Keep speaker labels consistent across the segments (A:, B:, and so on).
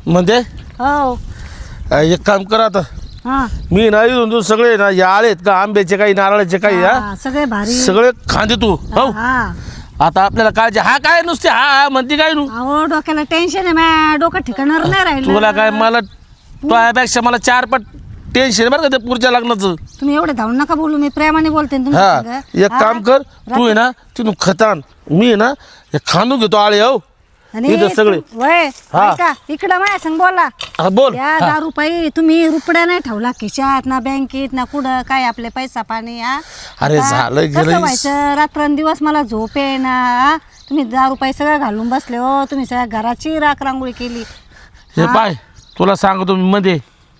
A: म्हणजे
B: हो
A: एक काम कर आता
B: हा
A: मी नाही तू सगळे ना या आळेत का आंब्याचे काही नारळाचे काही
B: हा, सगळे भारी
A: सगळे खांदे तू हो
B: हा
A: आता आपल्याला काळजी हा काय नुसते हा म्हणते काय नू
B: अहो डोक्याला टेन्शन आहे माझ्या डोकं ठिकाणावर नाही राहिलं
A: तुला काय मला तुझ्यापेक्षा मला 4 पट टेन्शन बरं का ते पुढच्या लग्नाचं
B: तुम्ही एवढे धावून नका बोलू मी प्रेमाने बोलते ना
A: हा
B: तुमच्या संग.
A: एक
B: हा?
A: काम कर तू आहे ना तिथून खतान मी आहे ना हे खांदून घेतो आळे हो
B: आणि
A: इथं सगळे
B: वय
A: हा.
B: ऐका इकडं माझ्या संग बोला
A: हा बोल
B: या 10 रुपये तुम्ही रुपड्या नाही ठेवला खिशात ना बँकेत ना कुठं काय आपले पैसा पाणी हा
A: अरे
B: आता
A: झालं
B: कसं
A: गेलं
B: व्हायचं रात्रंदिवस मला झोप आहे ना हा? तुम्ही 10 रुपये सगळं घालून बसले हो तुम्ही सगळ्या घराची राख रांगोळी केली
A: हे पाय तुला सांगतो मी मध्ये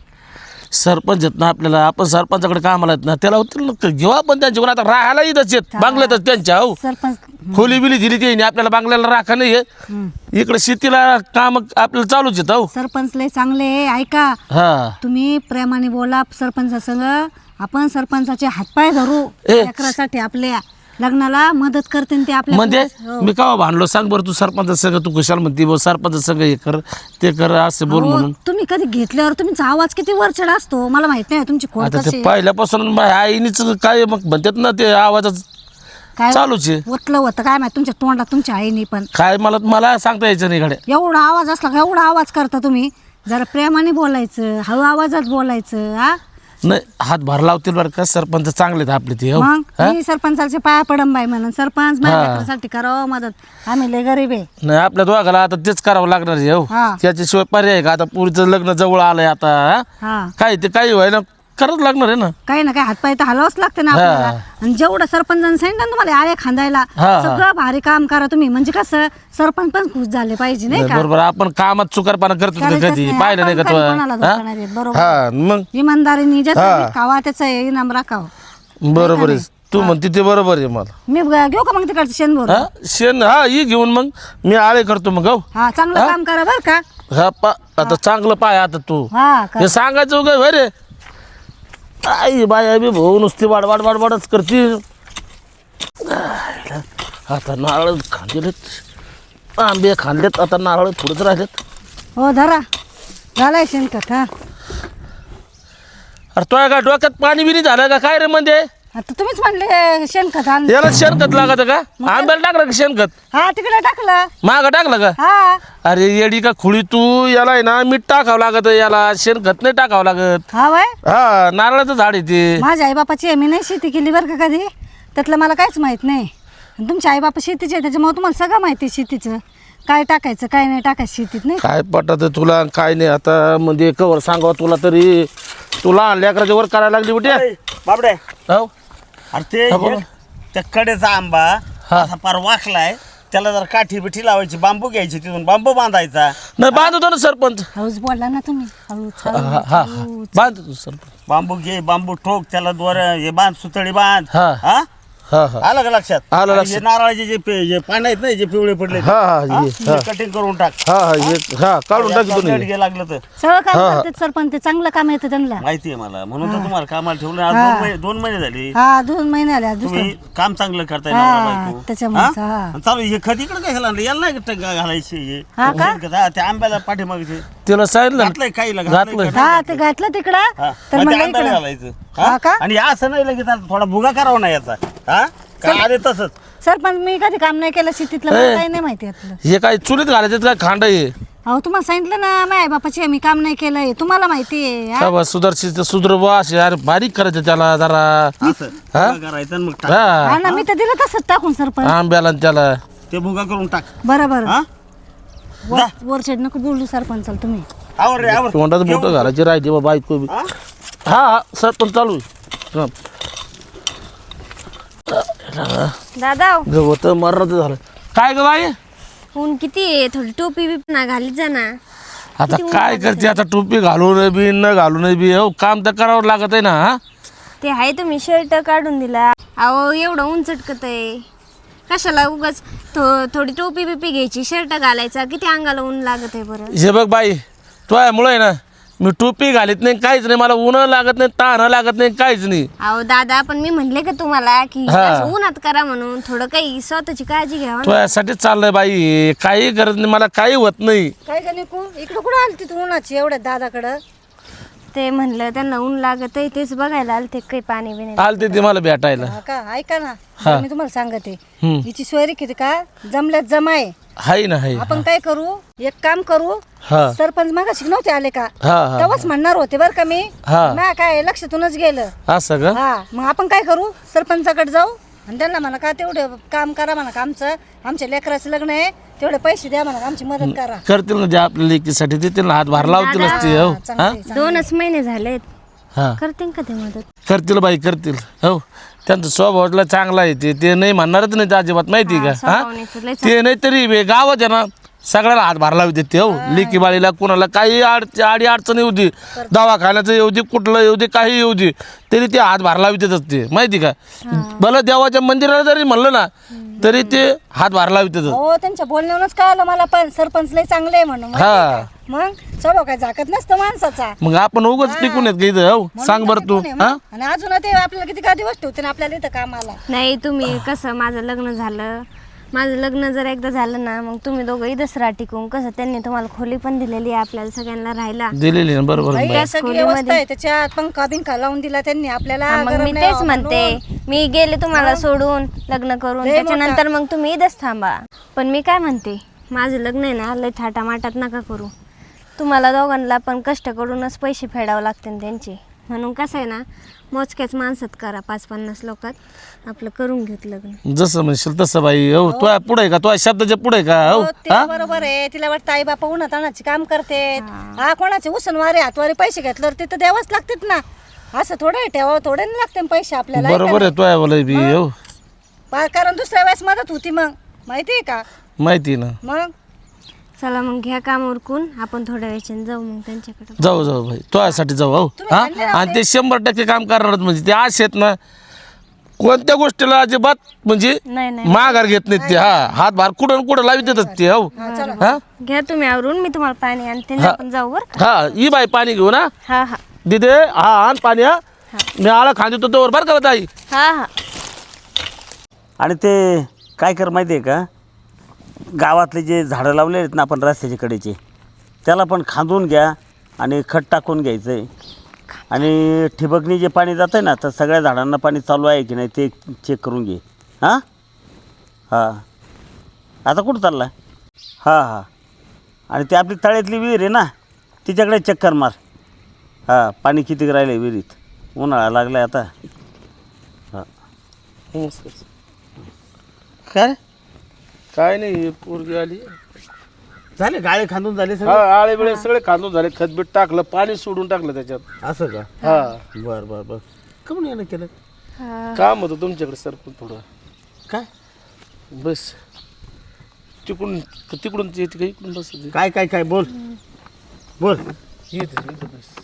A: सरपंच आहेत ना आपल्याला आपण सरपंचाकडे कामाला आहेत ना त्याला घेऊ आपण त्यांच्याकडून आता राहायला येतच येत बांगल्यातच त्यांच्या हो
B: सरपंच
A: खोली बिली दिली ते आपल्याला बांगल्याला राखा नाही आहे इकडे शेतीला काम आपल्याला चालूच येत हो
B: सरपंच लय चांगले आहे. ऐका
A: हा
B: तुम्ही प्रेमाने बोला सरपंचासंग आपण सरपंचाचे हातपाय धरू
A: ए.
B: लेकरासाठी आपल्या लग्नाला मदत करते ते आपल्या
A: म्हणजे
B: हो.
A: मी का भांडलो सांग बरं तू सरपंच सगळं तू कशाला म्हणते बघ सरपंच सगळं हे कर ते कर असं बोल
B: अहो,
A: म्हणून
B: तुम्ही कधी घेतल्यावर तुमचा आवाज किती वरचढ असतो मला माहित नाही तुमची खोड
A: आता
B: कशी
A: ते
B: आहे.
A: पहिल्यापासून माझ्या आईनीच काय मग म्हणतात ना ते आवाजच
B: काय
A: चालूच आहे
B: ओतलं होतं काय माहित तुमच्या तोंडात तुमच्या आईने पण
A: काय मला सांगता यायचं नाही गाड्या
B: एवढा आवाज असला का एवढा आवाज करता तुम्ही जरा प्रेमाने बोलायचं हळू आवाजात बोलायचं हा
A: नाही हात भर लावतील बरं का सरपंच चांगले आहेत आपले ते हो
B: मग
A: हा?
B: मी सरपंचाचे पाया पडम बाई म्हणून सरपंच माझ्या लेकरासाठी करावं मदत आम्ही लय गरीब आहे
A: नाही आपल्या दोघाला आता तेच करावं लागणार आहे हो
B: हा.
A: त्याच्याशिवाय पर्याय आहे का आता पुरीचं लग्न जवळ आलंय आता हा?
B: हा
A: काय ते काही व्हाय ना करत लागणार आहे ना
B: काही ना काही हातपाय तर हलवच लागते ना आपल्याला आणि जेवढं सरपंचाने सांगितलं ना तुम्हाला आळे खांदायला
A: हा.
B: सगळं भारी काम करा तुम्ही म्हणजे कसं सरपंच पण खुश झाले पाहिजे नाही का
A: बरोबर आपण कामात चुकारपणा करतो का
B: करायचंच
A: कधी
B: नाही.
A: पाहिलं नाही का
B: आपण
A: तू
B: काही कोणाला धोका नाही देत, बरोबर.
A: हा मग
B: इमानदारीने जसं खावा त्याचं इनाम राखावं
A: बरोबर आहे तू म्हणते ते बरोबर आहे मला
B: मी घेऊ का मग तिकडचं शेणभर
A: हा शेण हा ही घेऊन मग मी आळे करतो मग हो
B: हा चांगलं काम करा बरं का
A: हा आता चांगलं पाय आता तू
B: हा का
A: हे सांगायचं उगा होय रे आई बाय बी भाऊ नुसती वाडच करते आता नारळ खांदेलेत आंबे खांदलेत आता नारळ थोडंच राहिलेत
B: हो धरा झालाय शेणखत हा
A: अरे तो का डोक्यात पाणी बिनी झालं का काय रे म्हणजे
B: आता तुम्हीच म्हणले शेणखत आण
A: याला शेणखत लागत का आंब्याला टाकलं का शेणखत
B: हा तिकडे टाकलं
A: मागं टाकलं का
B: हा
A: अरे येडी का खुळी तू याला आहे ना मीठ टाकावं लागत याला शेणखत नाही टाकावं लागत
B: हा वय
A: हा नारळाचं झाड आहे ते
B: माझ्या आईबापाची आहे मी नाही शेती केली बरं का कधी त्यातलं मला काहीच माहित नाही आणि तुमच्या आईबापा शेतीचे आहे त्याच्यामुळे तुम्हाला सगळं माहिती आहे शेतीचं काय टाकायचं काय नाही टाकायचं शेतीत नाही
A: काय पटत तुला काय नाही आता म्हणजे कवर सांगावं तुला तरी तुला लेकराच्या वर करायला लागली कुठे
C: बाबडे
A: हो
C: अरे ते
A: हा, बोला.
C: त्या कडेचा आंबा
A: हा.
C: असा फार वाकलाय त्याला जर काठी बिठी लावायची बांबू घ्यायची तिथून बांबू बांधायचा
A: नाही बांधतो ना सरपंच
B: हळूच बोलला ना तुम्ही हळूच
A: हा हा बांधतो सरपंच
C: बांबू घे बांबू ठोक त्याला दोर हे बांध सुतळी बांध
A: हा.
C: हा
A: हा हा
C: आलं का लक्षात
A: आलं
C: आणि
A: लक्षात.
C: हे नारळाचे जे पानं आहेत ना जे पिवळे पडले
A: हा, हा, हे,
C: कटिंग करून टाक
A: हा हा हा काढून टाकतो
C: याचं
A: तुम्ही
C: घे लागलं तर
B: सगळं काम करतात सरपंच ते चांगलं काम येतं त्यांना
C: माहिती आहे मला म्हणून तर तुम्हाला कामाला ठेवलं आज 2 महिने झाले
B: हा 2 महिने आले दुसरं
C: तुम्ही काम चांगलं करताय
B: हा,
C: नवरा बायको.
B: त्याच्यामुळेच,
C: हा?
B: हा.
C: आणि चालू हे खत इकडे काय घालायला याला नाही घालायचे हे
B: हा का?
C: शेणखत, हा, त्या आंब्याला पाठीमागचे
A: त्याला सांगितलं
C: घातलंय काही
A: घातलंय.
B: हा ते घातलं तिकडं
C: हा,
B: तर
C: मग ते
B: म्हणलं
C: आंब्याला
B: इकडं
C: घालायचं
B: हा
C: हा?
B: का?
C: आणि असं नाही लगेच आता थोडा भुगा करावा नाही याचा हा काय आले तसंच
B: सरपंच मी कधी काम नाही केलं शेतीतलं मला काही नाही माहिती यातलं
A: हे काय चुलीत घालायचं काय खांड आहे
B: अहो तुम्हाला सांगितलं ना माझ्या बापाची मी काम नाही केलंय तुम्हाला माहिती आहे हा?
A: बाबा सुधारशील तर सुधर असे अरे बारीक करायचं त्याला जरा
C: असं भुगा करायचं आणि मग टाक.
A: हा
B: हा ना मी तर दिलं तसंच टाकून सरपंच
A: आंब्याला आणि त्याला
C: ते भुगा करून टाक
B: बरं बरं
C: हा
B: वरचेड नको बोलू सरपंचाला तुम्ही
C: आवर रे आवर
A: तोंडात मोठं घालायची राहते बा बायको बी.
C: हा?
A: हा हा सरपंच चालू आहे हा.
D: दादा
A: गवत मरणाचं झालं काय ग बाई
D: ऊन किती आहे थोडी टोपी बी ना घालीत जा ना
A: आता काय करते आता टोपी घालून बी न घालून बी हो काम तर करावं लागत आहे ना हा
D: ते आहे तुम्ही शर्ट काढून दिला अहो एवढं ऊन चटकत आहे कशाला उगाच थोडी टोपी बिपी घ्यायची शर्ट घालायचा किती अंगाला ऊन लागत आहे बरं
A: हे बघ बाई तो आहे मुळे ना मी टोपी घालीत नाही, काहीच नाही, मला ऊन लागत नाही, ताण लागत नाही, काहीच नाही.
D: अहो दादा, पण मी म्हणले का तुम्हाला की
A: हा.
D: असं उन्हात करा म्हणून, थोडं काही स्वतःची काळजी घ्यावा ना.
A: तो यासाठी चाललंय बाई, काही गरज नाही, मला काही होत नाही.
B: काय का निकू इकडं कुठं आली तू उन्हाची एवढ्या दादाकडं?
D: ते म्हणलं त्यांना ऊन लागत आहे, तेच बघायला आलते काही पाणी बिणी.
A: आलते ते मला भेटायला.
B: हा का, ऐका ना, बरं मी तुम्हाला सांगते,
A: हम्म.
B: हिची सोयरी किती का जमल्यात जमाय.
A: हाय ना हाय.
B: आपण काय करू, एक काम करू,
A: हा
B: सरपंच मागाशी नव्हते आले का,
A: हा हा
B: तेव्हाच म्हणणार होते बरं का मी,
A: हा.
B: ना काय लक्षातूनच गेलं.
A: असं का?
B: हा, मग आपण काय करू, सरपंचाकडे जाऊ आणि त्यांना म्हणा का तेवढं काम करा म्हणा का, आमच्या लेकराचं लग्न आहे, तेवढे पैसे द्या म्हणा, आमची मदत करा.
A: करतील ना, जे आपल्या लेकीसाठी देतील ना, हातभार लावतीलच ते. हो हा
B: चांगली.
D: 2च महिने झालेत,
A: हा
D: करते का ते मदत?
A: करतील बाई, करतील. हो, त्यांचा स्वभावला चांगला आहे, ते नाही म्हणणारच नाही ते अजिबात, माहिती का? हा,
D: स्वभावाने तर लय
A: ते नाही तरी गावात आहे ना, सगळ्याला हातभार लावते ते. हो, लेकी बाळीला कुणाला काही आडी अडचण येऊ दे, दवाखान्याचं येऊ दे, कुठलं येऊ दे, काही येऊ दे, तरी ते हातभार लावतेच ते, माहिती का? भलं देवाच्या मंदिराला जरी म्हणलं ना, तरी ते हातभार लावतेच.
B: हो, त्यांच्या बोलण्यावरूनच कळलं मला, पण सरपंच लय चांगले आहे म्हणून.
A: हा.
B: मग स्वभाव काय झाकत नसतं माणसाचा.
A: मग आपण उगाच टिकून येत का इथं? हो, सांग बरं तू. हा,
B: आणि अजून ते आपल्याला किती का दिवस ठेवते ना आपल्याला इथं कामाला.
D: नाही, तुम्ही कसं माझं लग्न जर एकदा झालं ना, मग तुम्ही दोघं इथंच राहा टिकून. कसं त्यांनी तुम्हाला खोली पण दिलेली आहे आपल्याला सगळ्यांना राहायला.
A: दिलेली ना, बरोबर.
B: बाई, या सगळी व्यवस्था आहे त्याच्यात, पंखा बिंखा लावून दिला त्यांनी आपल्याला.
D: हा, मग
B: गरम
D: मी
B: नाही
D: तेच
B: व्हावं
D: म्हणते,
B: म्हणून.
D: मी गेले तुम्हाला सोडून लग्न करून,
B: लय
D: त्याच्यानंतर मग तुम्ही इथंच थांबा. पण मी काय म्हणते, माझं लग्न आहे ना, लय थाटामाटात नका करू. तुम्हाला दोघांना पण कष्ट करूनच पैसे फेडावं लागतील त्यांचे. म्हणून कसं आहे ना, मोजक्याच माणसात करा, 5-50 लोकात आपलं करून घेत लग्न.
A: जसं म्हणशील तसं बाई. हो, तो पुढे का, तो शब्दाच्या पुढे का? हो,
B: हो, ते बरोबर आहे. तिला वाटतं आई बापा उन्हात आणायची काम करते, हा कोणाचे उसनवारे हातवारे पैसे घेतल्यावर तिथं द्यावंच लागतात ना. असं थोडं ठेवावं, थोडे नाही लागते पैसे आपल्याला.
A: बरोबर आहे, तो बोला बी. हो,
B: कारण दुसऱ्या वेळेस मदत होती मग, माहितीये का?
A: माहिती ना.
B: मग
D: चला मग घ्या काम उरकून, आपण थोड्या वेळाने जाऊ मग त्यांच्याकडे.
A: जाऊ जाऊ भाई, तो यासाठी जाऊ. हो, हा, आणि ते 100% काम करणार. म्हणजे ते असे आहेत ना, कोणत्या गोष्टीला अजिबात म्हणजे
D: नाही
A: माघार घेत नाहीत ते. हा, हातभार कुठं कुठं लावित देतात ते. हो, हा
D: घ्या तुम्ही आवरून, मी तुम्हाला पाणी आणते, आपण जाऊ बरं का?
A: हा, ही बाई पाणी घेऊ ना.
D: हा हा
A: दिदे, हा आण पाणी. हा, मी आळा खांदतो तोवर बरं का ताई.
D: हा हा.
C: आणि ते काय कर माहिती आहे का, गावातले जे झाडं लावले आहेत ना आपण रस्त्याच्या कडेचे, त्याला पण खांदून घ्या आणि खत टाकून घ्यायचं आहे. आणि ठिबकनी जे पाणी जातं आहे ना, तर सगळ्या झाडांना पाणी चालू आहे की नाही ते चेक करून घे. हां हां, आता कुठं चालला? हां हां, आणि ते आपली तळ्यातली विहीर आहे ना, तिच्याकडे चक्कर मार. हां, पाणी किती राहिलं आहे विहिरीत, उन्हाळा लागला आहे आता. हां, काय
A: काय नाही, पोरगी आली.
C: झाले गाळे खांदून झाले
A: हा,
C: सगळे?
A: आळे बिळे सगळे खांदून झाले, खतबीट टाकलं, पाणी सोडून टाकलं त्याच्यात.
C: असं का?
A: हा,
C: बरं बरं बरं. कमून यानं केलं
A: काम होतं तुमच्याकडे सरपंच थोडं.
C: काय?
A: बस तिकडून तिकडून येते का, इकडून बस
C: काय काय काय बोल बोल.
A: येते बस.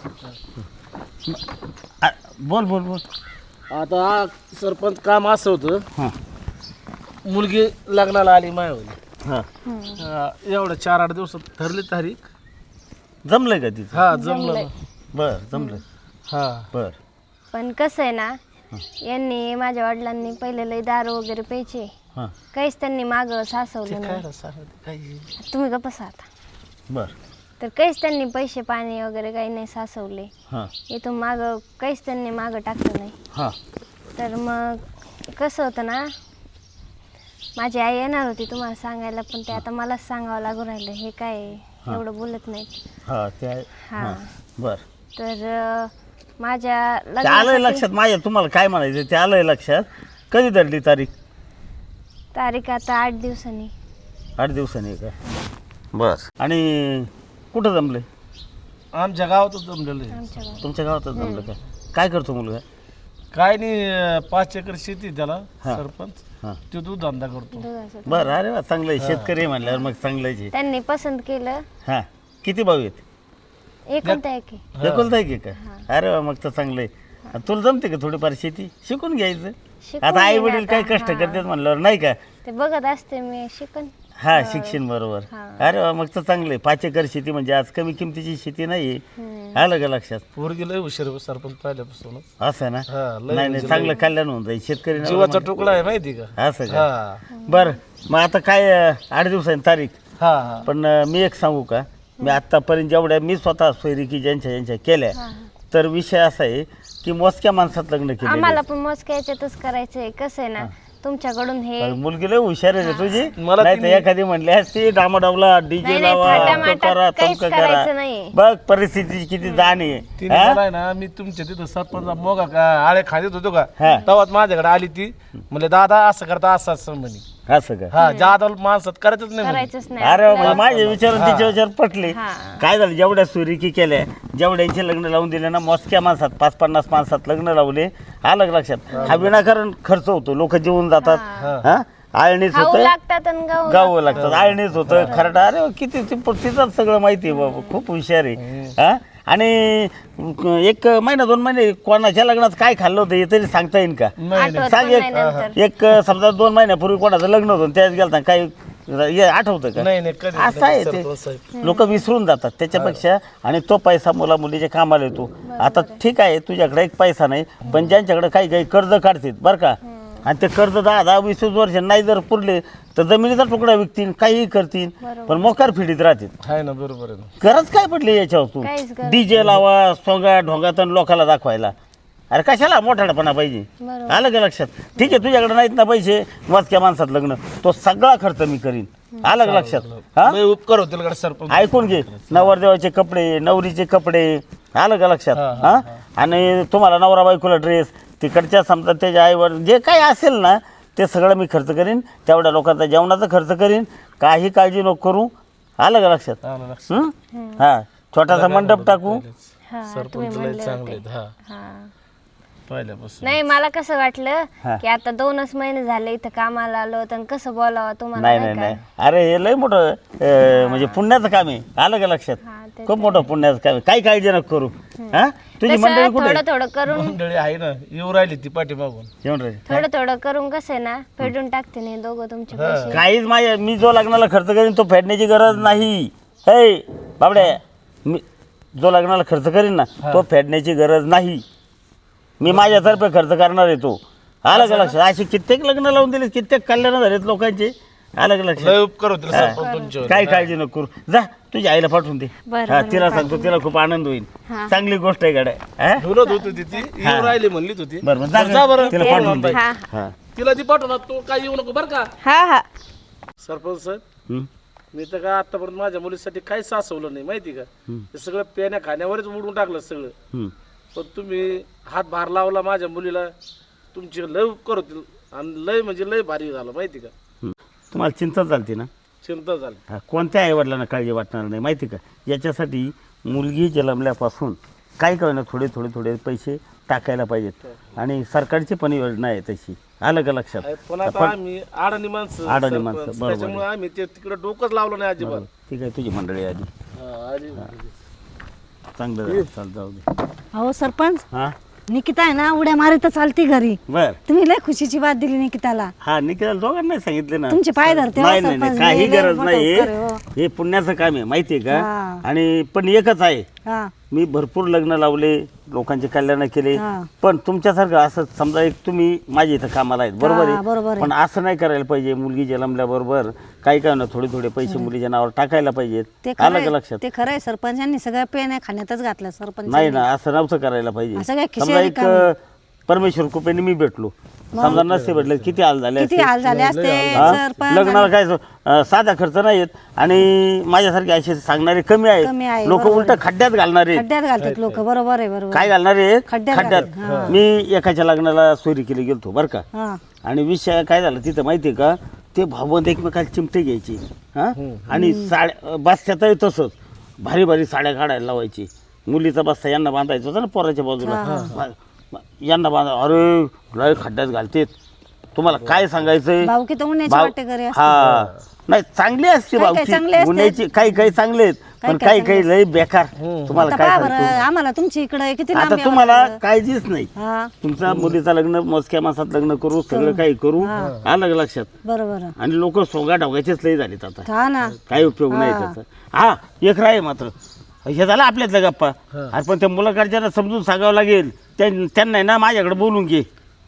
C: बोल बोल बोल.
A: आता हा सरपंच काम असं होतं,
C: हां
A: मुलगी लग्नाला आली मायावली.
C: हां,
A: एवढं 4-8 दिवसात ठरली तारीख.
C: जमलंय का तिथं?
A: हा, जमलं ना.
C: बरं जमलं.
A: हा,
C: बरं.
D: पण कसं आहे ना, यांनी माझ्या वडिलांनी पहिले लय दारू वगैरे प्यायचे,
C: हां
D: काहीच त्यांनी मागं सासवलं
A: काय
D: नाही.
A: रे, सांगते काय.
D: तुम्ही गप्प बसा आता.
C: बरं.
D: तर काहीच त्यांनी पैसे पाणी वगैरे काही नाही सासवले.
C: हां
D: इथून मागं काहीच त्यांनी मागं टाकलं नाही.
C: हां
D: तर मग कसं होतं ना, माझी आई येणार होती तुम्हाला सांगायला, पण ते आता मलाच सांगावं लागू राहिलं. हे काय एवढं बोलत नाहीत.
C: हां ते आहे.
D: हां,
C: बरं.
D: तर माझ्या
C: ते आलंय
D: लग्नासाठी
C: लक्षात माझ्या, तुम्हाला काय म्हणायचं ते आलंय लक्षात. कधी धरली तारीख?
D: तारीख आता 8 दिवसांनी.
C: 8 दिवसांनी का? बरं. आणि कुठं जमले?
A: आमच्या गावातच जमलेलं आहे.
D: आमच्या गावात.
C: तुमच्या गावातच जमलं का? काय करतो मुलगा?
A: काय नाही, 5 एकर शेती आहे त्याला.
C: हा.
A: सरपंच
C: हां
A: तो दूध धंदा करतो.
D: दुधाचं.
C: बरं. अरे वा, चांगलं आहे. शेतकरी आहे म्हणल्यावर मग चांगलंच आहे.
D: त्यांनी पसंत केलं.
C: हां, किती भाऊ आहेत?
D: एकुलता एक आहे.
C: एकुलता एक आहे का? अरे वा, मग तर चांगलं आहे. तुला जमते का थोडीफार शेती? शिकून घ्यायचं.
D: शिकून
C: आता आई
D: घेईन
C: वडील काय
D: आता.
C: कष्ट करतात म्हणल्यावर नाही का?
D: ते बघत असते मी, शिकन.
C: हा शिक्षण बरोबर. अरे वा, मग तर चांगलं आहे. 5 एकर शेती म्हणजे आज कमी किमतीची शेती नाही. आलं का लक्षात?
A: पोरगी लय हुशार आहे सरपंच पहिल्यापासून.
C: असं ना.
A: हा, लय
C: नाही नाही, चांगलं कल्याण होऊन जाईल शेतकरी.
A: जीवाचा तुकडा आहे माहिती का?
C: असं का?
A: हा
C: बरं, मग आता काय 8 दिवसांनी तारीख.
A: हा हा.
C: पण मी एक सांगू का, मी आत्तापर्यंत जेवढ्या मी स्वतः सोयरिकी ज्यांच्या केल्या, तर विषय असा आहे की मोजक्या माणसात लग्न केले.
D: आम्हाला पण मोजक्या याच्यातच करायचंय. कसं आहे ना, तुमच्याकडून हे
C: मुलगी लय हुशार आहे रे तुझी.
A: मला
C: नाही तर एखादी म्हणली असती डामाडावला डीजे
D: नाही,
C: लावा,
D: थाटामाटात
C: तो करा,
D: काहीच
C: तमकं
D: करायचं
C: करा.
D: नाही.
C: बघ परिस्थितीची किती जाण आहे.
A: तिने मला आहे ना, मी तुमच्या तिथं सरपंच मोगा का आळे खांदेत होतो का,
C: हा.
A: तेव्हाच माझ्याकडे आली ती. म्हणले दादा असं करता असं असं म्हणे.
C: असं का?
A: हा जादा माणसात करायचंच नाही म्हणे.
D: करायचंच नाही.
C: अरे म्हणजे माझे विचार तिचे विचार पटले.
D: हा.
C: काय झालं, जेवढ्या सुरिकी केल्या, जेवढ्यांचे लग्न लावून दिले ना, मोजक्या माणसात 5-50 माणसात लग्न लावले. आलं लक्षात? हा विनाकारण खर्च होतो, लोक जेवून जातात. हा आळणीच
D: खाऊ
C: होतं,
D: लागतात आणि गाऊ
C: गावं लागतात. आळणीच होतं, खरडा. अरे किती तिथंच सगळं माहिती आहे बाबा, खूप हुशार आहे. हा आणि 1 महिना 2 महिने कोणाच्या लग्नात काय खाल्लं होतं हे तरी सांगता येईल का?
D: आठवत
C: सांग
D: पण नाही नंतर.
C: एक समजा 2 महिन्यापूर्वी कोणाचं लग्न होतं त्याच गेलता, काही हे आठवतं का?
A: नाही नाही कधी
C: असं आहे
A: सरपंच साहेब.
C: ते, लोक विसरून जातात त्याच्यापेक्षा. आणि तो पैसा मुला मुलीच्या कामाला येतो. आता ठीक आहे, तुझ्याकडे एक पैसा नाही, पण ज्यांच्याकडे काही काही कर्ज काढतील बरं का, आणि ते कर्ज 10-20 वर्ष नाही जर पुरले तर जमिनीचा तुकडा विकतील, काहीही करतील, पण मोकार फिडीत राहतील.
A: आहे ना, बरोबर आहे ना.
C: गरज काय पडली याच्यावर तू?
D: काहीच गरज
C: डीजे लावा, सोंगा ढोंगात आणि लोकांना दाखवायला. अरे कशाला मोठाडपणा पाहिजे?
D: बरोबर.
C: आलं का लक्षात? ठीक आहे, तुझ्याकडे नाहीत ना पैसे, मोजक्या माणसात लग्न, तो सगळा खर्च मी करीन. आलं का लक्षात? हा
A: लय उपकार होतील का सरपंच?
C: ऐकून घे, नवरदेवाचे कपडे, नवरीचे कपडे, आलं का लक्षात? हा आणि तुम्हाला नवरा बायकोला ड्रेस, तिकडच्या समजा त्याच्या आईवर जे काही असेल ना ते सगळं मी खर्च करीन. तेवढ्या लोकांचा जेवणाचा खर्च करीन, काही काळजी नको करू. आलं का लक्षात?
A: आलं लक्षात.
C: हा छोटासा मंडप टाकू.
D: हा, तुम्ही
A: सरपंच लय
D: म्हणले
A: चांगले
D: होते.
A: आहेत. हा
D: हा.
A: पहिल्यापासून.
D: नाही, मला कसं वाटलं
C: हा.
D: की आता 2च महिने झाले इथं कामाला आलो, तर कसं बोलावं तुम्हाला,
C: नाही
D: नाही
C: नाही
D: का?
C: नाही, अरे हे लय मोठं म्हणजे पुण्याचं काम आहे. आलं का लक्षात?
D: हा, ते
C: खूप मोठं पुण्याचं काम आहे, काही काळजी नको करू. हा तुझी
D: तसं
C: मंडळी कुठे
D: थोडं थोडं करून
A: मंडळी आहे ना, येऊ राहिली ती पाठीमागून.
C: जेवण राहिले?
D: थोडं थोडं करून कसं आहे ना, फेडून टाकते नाही दोघं तुमचे पैसे.
C: काहीच माझ्या, मी जो लग्नाला खर्च करीन तो फेडण्याची गरज नाही. हे बाबड्या, मी जो लग्नाला खर्च करीन ना तो फेडण्याची गरज नाही. मी माझ्यातर्फे खर्च करणार आहे तो. आलं का लक्षात? असे कित्येक लग्न लावून दिले, कित्येक कल्याण झालेत लोकांचे. आलं का लक्षात?
A: लय उपकार होतील सरपंच तुमच्यावर.
C: काही काळजी नको करू. जा तुझ्या आईला पाठवून दे.
D: बरं,
C: हा
D: बरं,
C: तिला सांगतो, तिला खूप आनंद होईल.
D: हा.
C: चांगली गोष्ट आहे गाड्या. हा
A: बोलत होती ती येऊ राहिली म्हणलीच होती.
C: बरं बरं,
A: जा बरं.
C: तिला पाठवून दे.
D: हा
C: हा
A: तिला ती पाठवणार, तू काही येऊ नको बरं का
D: हा हा.
A: सरपंच साहेब.
C: हं.
A: मी तर का आतापर्यंत माझ्या मुलीसाठी काही सासवलं नाही माहिती का. ते सगळं पेण्या खाण्यावरच उडून टाकलं सगळं.
C: हं.
A: पण तुम्ही हात भार लावला माझ्या मुलीला, तुमची लय उपकार होतील. आणि लय म्हणजे लय भारी झालं माहिती का.
C: हं. तुम्हाला चिंता चालते ना?
A: चिंता झाली.
C: हा, कोणत्या आईवडिलांना काळजी वाटणार नाही माहिती का. याच्यासाठी मुलगी जन्मल्यापासून काय कळणं थोडे पैसे टाकायला पाहिजेत. आणि सरकारची पण योजना आहे तशी. आलं का लक्षात?
A: पण आता आम्ही अडाणी माणसं,
C: अडाणी
A: सरपंच.
C: माणसं, बरोबर आहे.
A: त्याच्यामुळे आम्ही ते तिकडे डोकंच लावलं नाही अजिबात.
C: ठीक आहे, तुझी मंडळी आधी
A: हा, आली.
C: चांगलं झालं. चाल जाऊ दे.
B: अहो सरपंच,
C: हा
B: निकिता आहे ना उड्या मारत चालती घरी.
C: बर.
B: तुम्ही लय खुशीची बात दिली निकिताला.
C: हा निकाल दोघांना सांगितले ना.
B: तुमचे पाय धरते हो
C: नाही नाही नाही,
B: सरपंच.
C: काही
B: लय
C: गरज
B: मोठं
C: नाही.
B: उपकार आहे, हो.
C: हे पुण्याचं काम आहे माहितीये का.
B: हा.
C: आणि पण एकच आहे,
B: हा
C: मी भरपूर लग्न लावले, लोकांचे कल्याण केले.
B: हा.
C: पण तुमच्यासारखं असं समजा एक तुम्ही माझ्या इथं कामाला आहेत, बरोबर
B: हा, बरोबर
C: आहे.
B: आहे.
C: पण असं नाही करायला पाहिजे. मुलगी जन्मल्याबरोबर काही काय ना थोडे पैसे मुलीच्या नावावर टाकायला पाहिजेत.
B: ते
C: आलं का
B: खरंय,
C: लक्षात?
B: ते खरंय. सरपंचांनी सगळ्या पेन खाण्यातच घातलं सरपंच.
C: नाही ना, असं नव्हतं करायला पाहिजे.
B: असं काय खिशात
C: समजा एक
B: रिकामी?
C: परमेश्वर कृपेने मी भेटलो, समजा नसते भेटले किती हाल झाले
B: किती
C: असते.
B: हाल झाले असते
C: हा?
B: सरपंच.
C: लग्नाला काय साधा खर्च नाहीत. आणि माझ्यासारखे असे सांगणारे कमी
B: कमी आहे,
C: आहेत. लोक
B: बरोबर
C: उलट खड्ड्यात घालणारे.
B: खड्ड्यात घालतात लोक. बरोबर आहे, बरोबर.
C: काय घालणारे?
B: खड्ड्यात
C: खड्ड्यात.
B: घालतात,
C: मी एकाच्या लग्नाला सोयरी केली गेलतो बरं का.
B: हा
C: आणि विषय काय झाला तिथं माहितीये का, ते भावबंद एकमेकाला चिमटे घ्यायचे. हा आणि साड्या बस्त्यातही तसंच भारी साड्या काढायला लावायची. मुलीचा बस्ता यांना बांधायचा होता ना पोराच्या बाजूला, यांना बांधा. अरे लय खड्ड्यात घालतेत. तुम्हाला काय सांगायचंय.
B: भाऊकी तर उन्हाची
C: भाव-
B: वाटे घरी असते.
C: हा नाही, चांगली असते
B: काही काही
C: भावकी
B: चांगले असतात.
C: गुन्ह्याची, काही चांगले आहेत. पण काही काही लय बेकार तुम्हाला
B: आता
C: काय
B: पहा
C: सांगतो
B: बरं आम्हाला तुमची इकडे किती लांब
C: आता
B: यावं
C: तुम्हाला
B: लागलं.
C: काळजीच नाही
B: हा
C: तुमच्या मुलीचं लग्न मोजक्या मासात लग्न करू सगळं काही करू आलं का लक्षात
B: बरोबर
C: आणि लोक सोंगा ढोगायचेच लय झालेत आता
B: हा ना
C: काही उपयोग नाही त्याचा हा एक राय मात्र हे झालं आपल्यातल्या गप्पा अरे पण त्या मुलाकडच्याला समजून सांगावं लागेल त्यांना आहे ना माझ्याकडे बोलून घे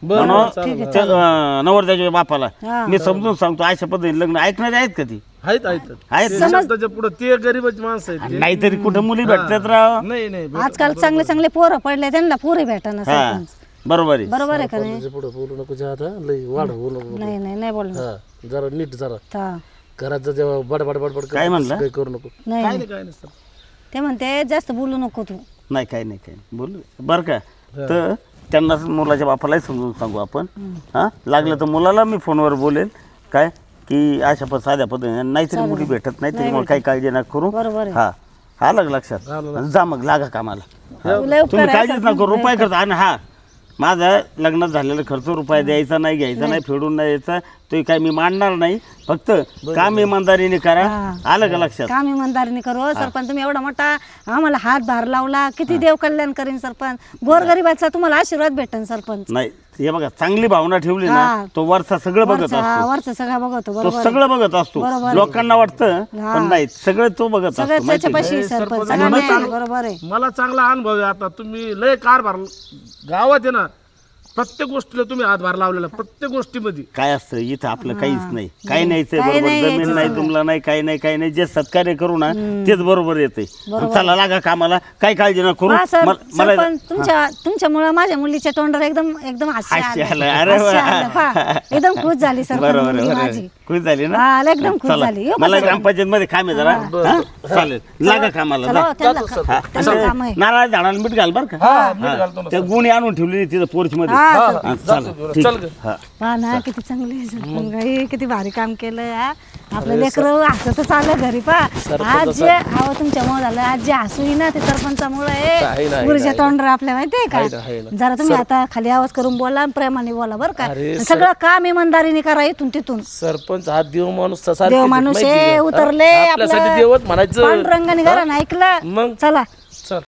C: नवरदेवाच्या बापाला
B: हा.
C: मी समजून सांगतो अशा पद्धतीने लग्न ऐकणारे आहेत का ती
A: आहेत
C: आहेत
A: ते शब्दाच्या पुढे ते गरीबच माणसं आहेत ते.
C: नाहीतरी कुठं मुली भेटतात राव
A: नाही नाही
B: आजकाल चांगले चांगले पोरं पडले त्यांना पोरी भेटाना
C: हा
B: सरपंच
C: बरोबर आहे
B: बरोबर आहे का नाही
E: पुढे बोलू नको जे आता लई वाढ बोलू नको
B: नाही नाही नाही बोलणार
E: हा जरा नीट जरा
B: हा.
E: घरात जर जेव्हा बडबड बडबड
C: काय म्हणलं?
E: काही करू नको
B: नाही
A: काय नाही काय नाही सर.
B: ते म्हणते जास्त बोलू नको तू
C: नाही काही नाही काही नाही बोल बरं का तर त्यांना मुलाच्या बापालाही समजून सांगू आपण हां लागलं तर मुलाला मी फोनवर बोलेल काय की अशा साध्या पद्धतीने नाहीतरी मुली भेटत नाही तरी मग काही काळजी नका करू
B: बरोबर आहे.
C: हा आलं का लक्षात जा मग लागा कामाला
B: तुला उपकार
C: तुम्ही
B: आहे
C: काळजीच नका करू रुपये करता आणि हा माझा लग्नात झालेला खर्च रुपया द्यायचा नाही घ्यायचा नाही फेडून नाही यायचा तो काय मी मांडणार नाही फक्त काम इमानदारीने करा आलं का लक्षात
B: काम इमानदारीने करू सरपंच तुम्ही एवढा मोठा आम्हाला हातभार लावला किती देव कल्याण करीन सरपंच गोरगरिबाचा तुम्हाला आशीर्वाद भेटन सरपंच
C: नाही हे बघा चांगली भावना ठेवली
B: हा.
C: ना तो वरचा सगळं बघत असतो
B: वरचं सगळं बघतो
C: तो
B: बरोबर
C: सगळं बघत असतो
B: बरोबर.
C: लोकांना वाटतं
B: हा.
C: पण नाही सगळं तो बघत
B: सगळं
C: असतो माहिती आहे का?
B: त्याच्यापाशी सरपंच सगळं बरोबर आहे
A: मला चांगला अनुभव आहे आता तुम्ही लय कारभार गावात आहे ना प्रत्येक गोष्टीला तुम्ही हातभार लावलेला प्रत्येक गोष्टीमध्ये
C: काय असतं इथं आपलं काहीच नाही काही नाहीच
B: काही
C: बरोबर
B: नाही
C: जमीन
B: यायचं
C: नाही तुम्हाला नाही काही नाही जे सत्कार्य करू ना तेच बरोबर येते चला लागा कामाला काही काळजी न करू
B: हा,
C: मला
B: सरपंच तुमच्यामुळे माझ्या मुलीच्या तोंडावर एकदम एकदम हास्य
C: हास्य
B: आलं.
C: आलं. अरे
B: हास्य
C: वा.
B: आलं, पहा. एकदम खुश झाली सरपंच
C: बरोबर
B: मुलगी
C: बरोबर
B: माझी
C: खुश झाली ना
B: हा, एकदम खुश
C: चला
B: झाली. येऊ का
C: मला
B: सर?
C: ग्रामपंचायत मध्ये काम आहे जरा हा? चालेल लागा कामाला
B: चला,
C: जा.
B: त्यांना त्यांना काम आहे
C: नारळ झाडाला मीठ घाल बर का
A: मीठ घालतो ना.
C: त्या गुणी आणून ठेवली तिथं पोर्च मध्ये
B: हा,
C: हा, चला ठीक
A: चल ग.
C: हा
B: पहा ना किती चांगली आहे सरपंच बाई, किती भारी काम केलं हा. आपलं लेकरं हसतच आलं घरी पा आज जे हवं तुमच्यामुळे झालं आज जे हसू ना ते सरपंचामुळे गुरुच्या तोंडावर आपल्या माहितीये का जरा तुम्ही आता खाली आवाज करून बोला प्रेमाने बोला बरं का सगळं काम इमानदारीने करा इथून तिथून
A: सरपंच हा देव माणूस तसा
B: देव माणूस आहे उतरले
A: आपल्यासाठी देवच म्हणायचं
B: पांडुरंगाने घरा ऐकलं
A: मग
B: चला
A: चल